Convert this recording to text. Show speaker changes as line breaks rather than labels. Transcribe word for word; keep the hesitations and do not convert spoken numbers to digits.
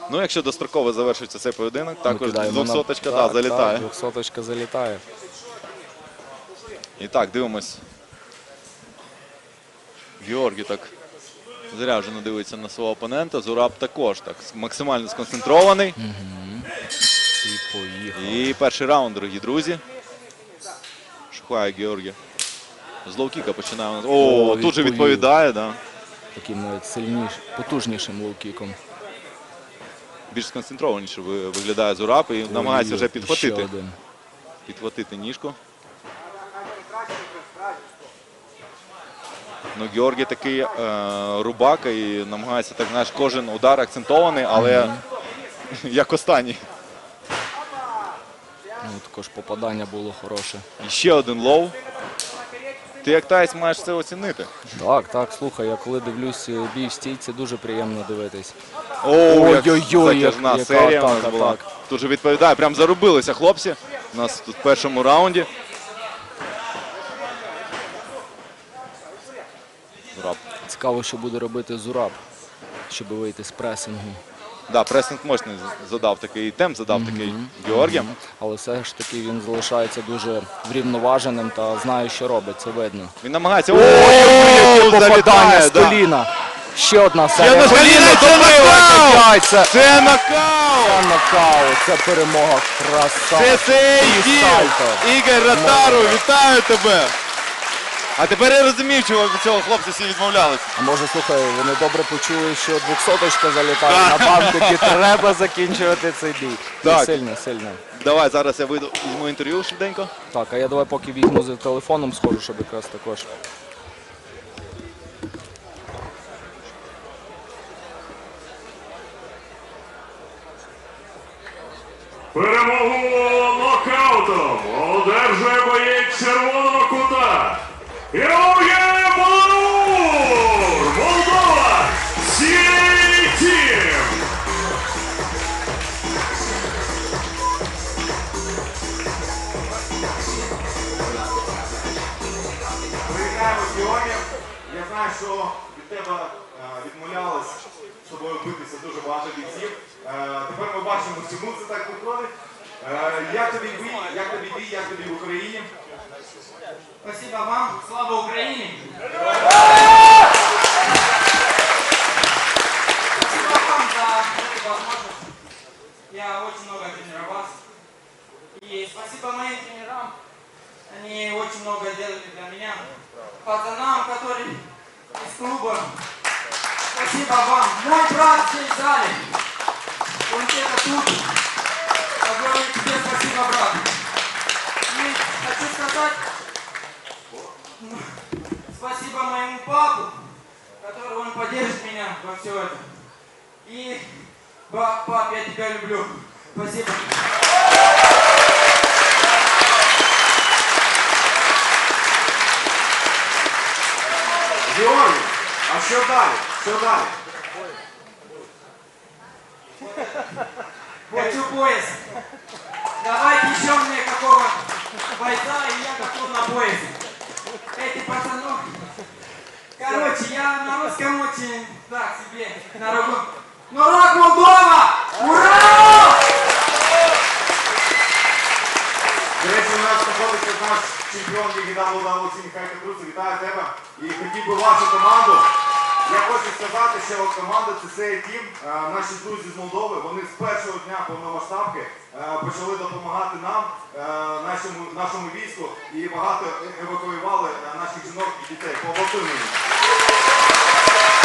Ну, якщо достроково завершиться цей поєдинок, також двохсоточка
на...
да, залітає.
двохсоточка залітає.
І так, дивимось. Георгій так заряджено дивиться на свого опонента. Зураб також так максимально сконцентрований.
Угу. І поїхав.
І перший раунд, дорогі друзі. Шукає Георгій. З лоу-кіка починає. О, О тут же відповідає, да.
Таким навіть сильнішим, потужнішим лоу-кіком.
Більш сконцентрованіше виглядає Зураб і намагається вже підхватити. Підхватити ніжку. Ну, Георгій такий е, рубака і намагається, так знаєш, кожен удар акцентований, але mm-hmm. як останній.
Ну, також попадання було хороше.
І ще один лоу. Ти як таєць маєш це оцінити.
Так, так, слухай, я коли дивлюсь бій в стійці, дуже приємно дивитись.
Ой-ой-ой, затяжна серія у нас була. Тут же відповідає, прям зарубилися хлопці. У нас тут в першому раунді. Зураб.
Цікаво, що буде робити Зураб, щоб вийти з пресингу.
Так, да, пресинг мощний задав такий, темп задав mm-hmm. такий Георгій. Mm-hmm.
Але все ж таки він залишається дуже врівноваженим та знає, що робить, це видно.
Він намагається... Ой,
попадання з коліна. Ще одна серія.
Ще коліна, це нокаут!
Це,
це нокаут!
Це нокаут, це перемога. Краса.
Це цей Ігор Ротару, вітаю тебе! А тепер я розумів, чого від цього хлопці всі відмовлялися.
А може, слухай, вони добре почули, що двохсоточка залітає на банку, і треба закінчувати цей бій. Так. Сильно, сильно.
Давай, зараз я вийду, візьму інтерв'ю швиденько.
Так, а я давай поки візьму за телефоном, схожу, щоб якраз також.
Перемогу нокаутом одержує боєць червоного кута. Георгій Баларур! Молдова! Сі-Тім!
Привітаємо з Георгієм. Я знаю, що від тебе відмовлялись з тобою битися дуже багато бійців. Тепер ми бачимо, чому це так виходить. Як тобі бій, як тобі бій, як тобі в Україні?
Спасибо вам. Слава Украине! Спасибо вам за эту возможность. Я очень много тренировался. И спасибо моим тренерам. Они очень много делали для меня. Пацанам, которые из клуба. Спасибо вам. Мой брат здесь в зале. Он где-то тут. Я говорю тебе спасибо, брат. И хочу сказать спасибо моему папу, который он поддержит меня во все это. И пап, пап, я тебя люблю. Спасибо.
Георгій, а що далі? Що далі?
Хочу пояс. Давайте еще мне какого бойца, и я готов на пояс. Эти пацаны. Короче, я на русском очень так себе на руку. Ну, Рок Молдова! Ура!
До речі, у нас знаходиться наш чемпіон Ліги дабл ю дабл ю Сі Михайло Катруцев. Вітаю тебе. І хотів би вашу команду. Я хочу сказати, що от команда Це Сей Тім, наші друзі з Молдови, вони з першого дня повномасштабки почали допомагати нам, нашому, нашому війську, і багато евакуювали наших жінок і дітей. Поаплодуємо їм.